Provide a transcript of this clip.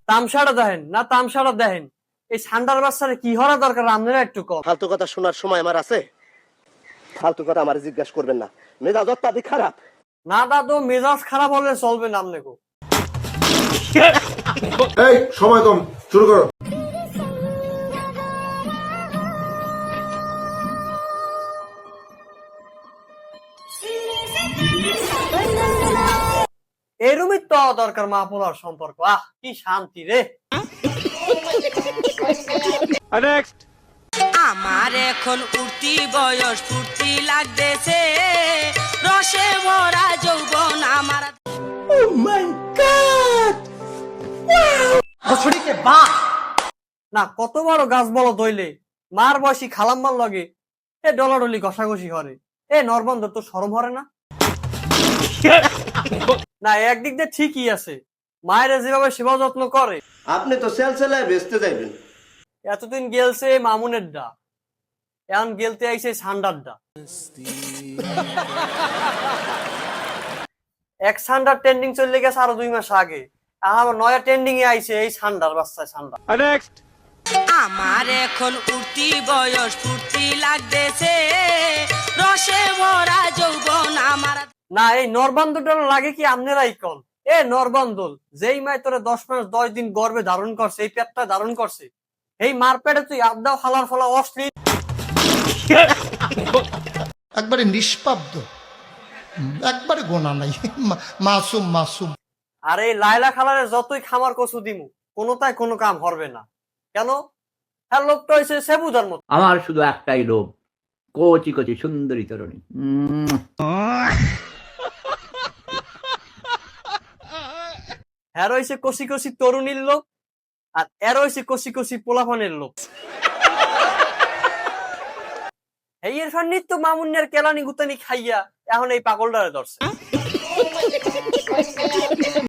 তামসাটা দেখেন না তামসাটা দেখেন, এই ঠান্ডার বাচ্চারে কি হওয়া দরকার আপনারা একটু কম। ফালতু কথা শোনার সময় আমার আছে? ফালতু কথা আমার জিজ্ঞাসা করবেন না, মেজাজ অত্যাধিক খারাপ। না দাদু, মেজাজ খারাপ হলে চলবে না আপনাকে। এই সময় কম, শুরু করো। এরমই তো দরকার মা পোলার সম্পর্ক। আহ কি শান্তি রে। আমার এখন উঠতি বয়স, ফুর্তি লাগতেছে, রসে ভরা যৌবন আমার। না কত বড় গাছ বলো দইলে মার বয়সী খালাম্মার লগে এ ডলাডলি ঘষাঘষি হরে, এ নরবন্ধ তো শরম হরে না। না একদিক দিয়ে ঠিকই আছে, মায়েরা যেভাবে সেবা যত্ন করে। আপনি তো সেলসেলায় বেচতে যাইবেন। এতদিন গেলছে মামুনের ডা, এখন গেলতে আইছে সান্ডার ডা। এক সান্ডার ট্রেন্ডিং চলে গেছে আরো 2 মাস আগে, আমার নয়া ট্রেন্ডিং এ আইছে এই সান্ডার বাচ্চা সান্ডার। আমার এখন উঠতি বয়স, ফুর্তি লাগতেছে, রসে ভরা যৌবন আমার। না এই নরবান্দলটা লাগে কি আপনারাই কন। এ নরবান্দল যেই মায় তোরে 10 মাস 10 দিন গর্ভে ধারণ করছে, এই পেটটা ধারণ করছে, এই মার পেটে তুই আবদাও হালার ফলা অশ্লীল। একবারে নিষ্পাব্দ, একবারে গোনা নাই, মাসুম মাসুম। আর এই লাইলা খালারে যতই খামার কচু দিমু কোনোটাই কোনো কাম হবে না। কেন? হ্যাঁ লোকটা হয়েছে সেবুদার মতো। আমার শুধু একটাই লোভ, কচি কচি সুন্দরী তরুণী। হ্যাঁ রয়েছে কষি কষি তরুণীর লোক, আর এর হয়েছে কষি কষি পোলাপানের লোক। এই এর নিত্য মামুনের কেলানি গুতানি খাইয়া এখন এই পাগলটারে ধরছে।